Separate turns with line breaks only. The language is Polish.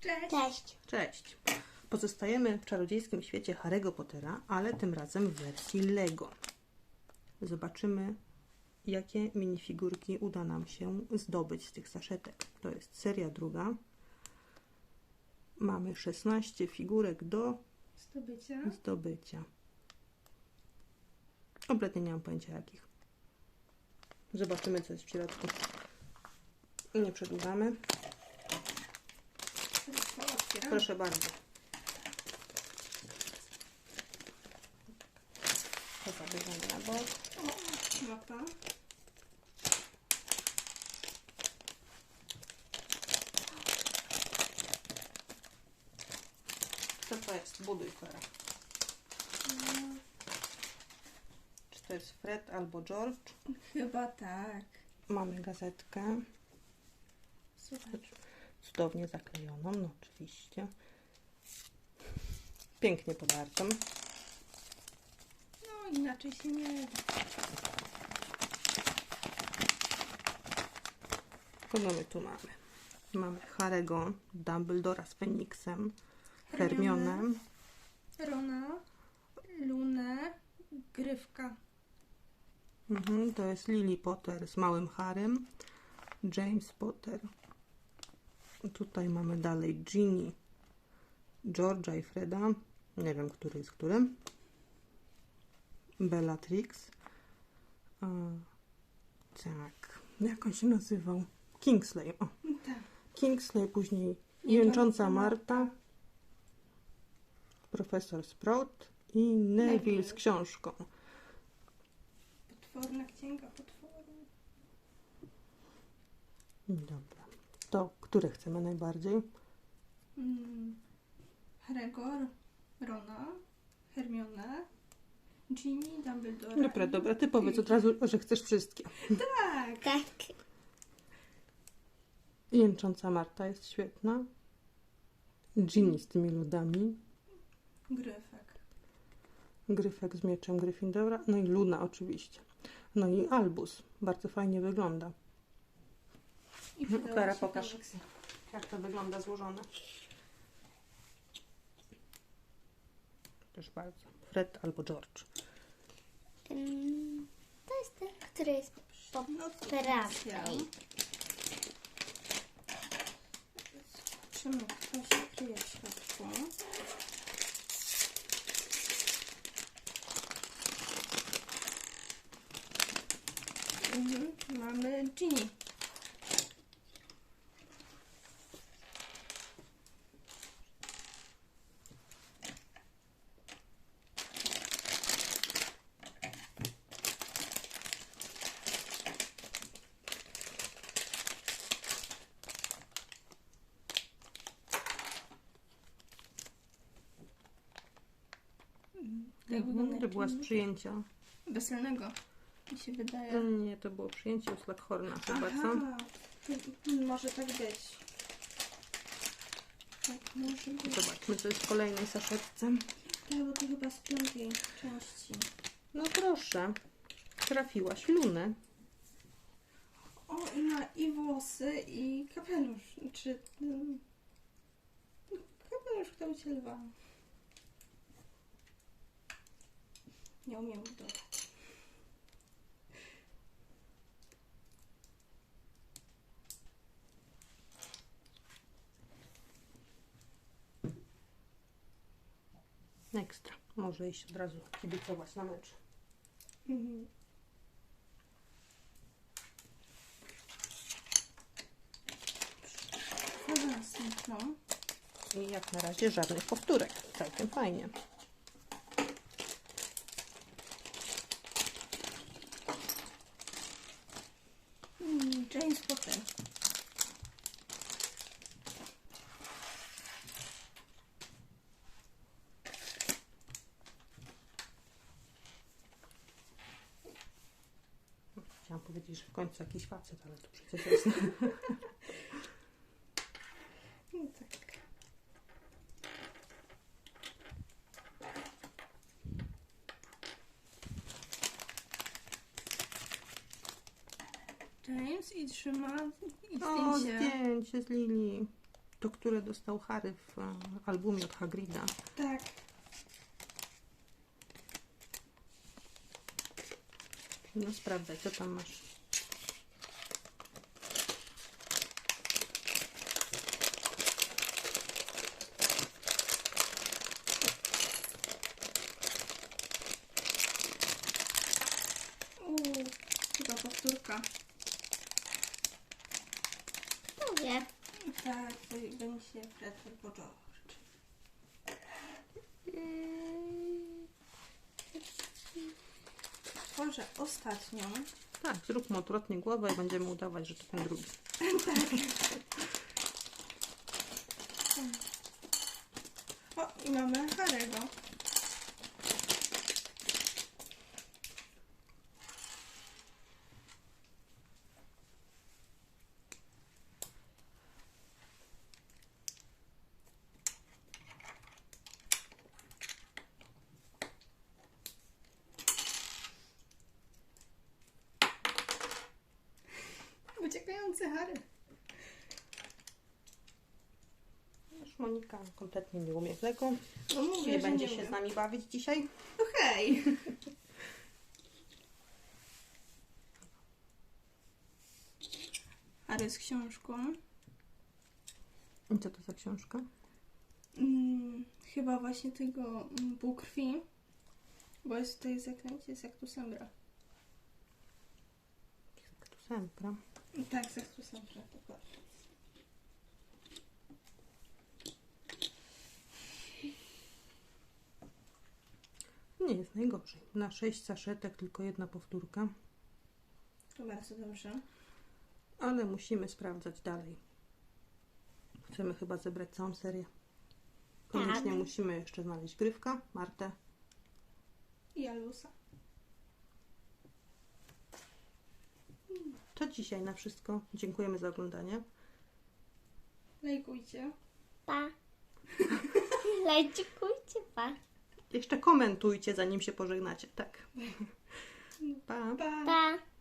Cześć.
Cześć.
Cześć! Pozostajemy w czarodziejskim świecie Harry'ego Pottera, ale tym razem w wersji Lego. Zobaczymy, jakie minifigurki uda nam się zdobyć z tych saszetek. To jest seria druga. Mamy 16 figurek do zdobycia. Kompletnie nie mam pojęcia jakich. Zobaczymy, co jest w środku. Nie przedłużamy. Proszę bardzo. To zabierzemy na bok.
Mapa.
Co to jest? Buduj, Klara. Czy to jest Fred albo George?
Chyba tak.
Mamy gazetkę.
Słuchaj.
Cudownie zaklejoną, no oczywiście. Pięknie podartą.
No inaczej się nie da.
Kogo my tu mamy? Mamy Harry'ego, Dumbledora z Feniksem, Hermionę,
Rona, Lunę, Gryfka.
To jest Lily Potter z małym Harrym, James Potter. Tutaj mamy dalej Ginny, George'a i Freda. Nie wiem, który jest którym. Bellatrix. Tak. Jak on się nazywał? Kingsley. O.
Tak.
Kingsley, później
Jęcząca
Jęcząca Marta, Profesor Sprout i Neville z książką.
Potworna księga potworu.
Dobra. To które chcemy najbardziej?
Harry'ego, Rona, Hermionę, Ginny, Dumbledora.
Dobra. Ty powiedz od razu, że chcesz wszystkie.
Tak.
Tak.
Jęcząca Marta jest świetna. Ginny z tymi ludami.
Gryfek.
Gryfek z mieczem Gryffindora. No i Luna oczywiście. No i Albus. Bardzo fajnie wygląda.
I
Klara, pokaż, jak to wygląda złożone. Proszę bardzo. Fred albo George.
To jest ten, który jest po prawej.
Zobaczymy, kto się kryje w środku. Mamy Ginny.
To była z przyjęcia.
Weselnego, mi się wydaje.
Nie, to było przyjęcie u Slughorna chyba, co?
Aha, może tak być. Tak, może być.
Zobaczmy, co jest w kolejnej saszetce.
Tak, bo to chyba z 5. części.
No proszę, trafiłaś Lunę.
O, i ma i włosy, i kapelusz. Czy... kapelusz w kształcie lwa. Nie umiem dodać.
Ekstra. Może iść od razu kibicować na mecz.
No.
I jak na razie żadnych powtórek. Całkiem fajnie.
James Potter.
Chciałam powiedzieć, że w końcu jakiś facet, ale to przecież jest...
No tak.
O, zdjęcie z Lili. To, które dostał Harry w albumie od Hagrida.
Tak.
No sprawdzaj, co tam masz.
Chyba powtórka.
Mówię.
Tak, to będzie Fred albo George. Tworzę ostatnią.
Tak, zróbmy odwrotnie głowę i będziemy udawać, że to ten drugi.
O, i mamy Harry'ego. Uciekający Harry.
Już Monika kompletnie nie umie w Lego.
No mówię,
Nie
że
będzie
nie
się
umiem.
z nami bawić dzisiaj.
No hej! Harry z książką.
I co to za książka?
Chyba właśnie tego półkrwi. Bo jest tutaj zaklęcie z Actusembra.
Tu Sempra.
Tak, z Actusembra, dokładnie.
Nie jest najgorzej. Na 6 saszetek tylko jedna powtórka.
To bardzo dobrze.
Ale musimy sprawdzać dalej. Chcemy chyba zebrać całą serię. Koniecznie
Tak.
musimy jeszcze znaleźć Grywka, Martę.
I Alusa.
To dzisiaj na wszystko. Dziękujemy za oglądanie.
Lajkujcie.
Pa. Lajkujcie, pa.
Jeszcze komentujcie, zanim się pożegnacie. Tak. Pa.
Pa!
Pa.